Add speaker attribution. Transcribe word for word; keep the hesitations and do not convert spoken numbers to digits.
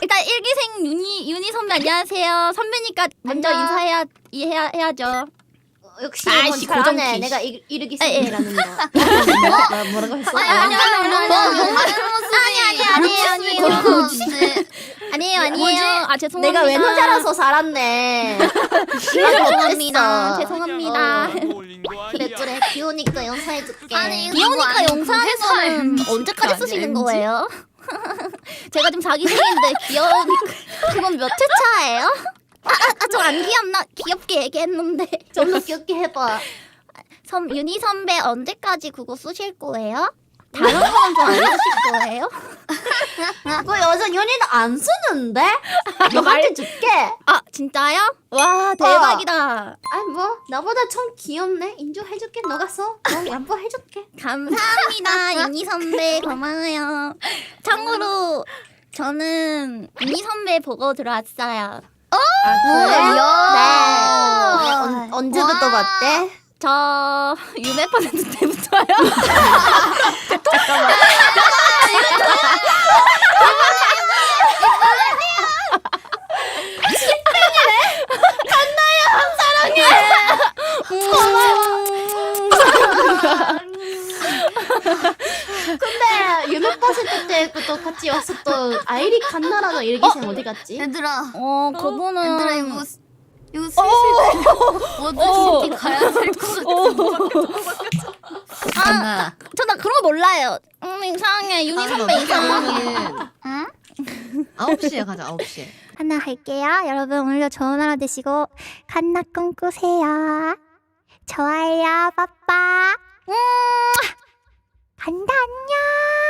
Speaker 1: 일단 일기생 윤희 윤희 선배 안녕하세요. 선배니까 먼저
Speaker 2: 안녕.
Speaker 1: 인사해야 해야 해야죠.
Speaker 2: 역시
Speaker 1: 아이씨,
Speaker 2: 이건 잘하네.
Speaker 1: 고정키.
Speaker 2: 내가 이, 이르기
Speaker 1: 에, 에.
Speaker 2: 생이라는 거. 뭐라- 뭐라고 했어?
Speaker 1: 아니 아니 아니 아니 아니 아니 아니 아니에요 아니에요 아니에요 아니에요 아 죄송합니다.
Speaker 2: 내가 외노자라서 살았네.
Speaker 1: 죄송합니다. 죄송합니다.
Speaker 2: 그래 그래 귀여우니까 영상해줄게.
Speaker 3: 아니,
Speaker 1: 귀여우니까
Speaker 3: 이거
Speaker 1: 영상에서는
Speaker 3: 회사에
Speaker 1: 언제까지
Speaker 3: 아니야,
Speaker 1: 쓰시는
Speaker 3: 엠지?
Speaker 1: 거예요? 제가 지금 자기생인데 귀여우니까 그건 몇 회 차예요? 아저 안 귀엽나? 귀엽게 얘기했는데.
Speaker 2: 좀 더 귀엽게 해봐.
Speaker 1: 선 윤희 선배 언제까지 그거 쓰실 거예요? 다른 거는 좀 안 쓰실 거예요?
Speaker 2: 그 여자 연인은 안 쓰는데? 너한테 줄게.
Speaker 1: 아 진짜요? 와 대박이다.
Speaker 2: 아니 뭐 나보다 좀 귀엽네. 인정해줄게. 너가 써. 너 양보해줄게.
Speaker 1: 감사합니다 윤희 선배 고마워요. 참고로 저는 윤희 선배 보고 들어왔어요.
Speaker 2: 아
Speaker 1: 네.
Speaker 2: 네. 언, 언제부터
Speaker 3: 와.
Speaker 2: 봤대?
Speaker 1: 저 유배 퍼센트 때부터요.
Speaker 2: 근데 유명 버스트 때부터 같이 왔었던 아이리 칸나라는 일기생 어디 갔지?
Speaker 3: 얘들아,
Speaker 1: 어 그분은
Speaker 3: 얘들아 이거 스- 이거 슬슬 뭐든지 가야 될 것 같아.
Speaker 1: 아, 저나 그런 거 몰라요. 음 이상해 윤희 선배 이상해.
Speaker 3: 응?
Speaker 4: 아홉 시에 가자. 아홉 시에.
Speaker 1: 하나 할게요. 여러분 오늘도 좋은 하루 되시고 갓나 꿈꾸세요. 좋아요 빠빠. 음 간다 안녕.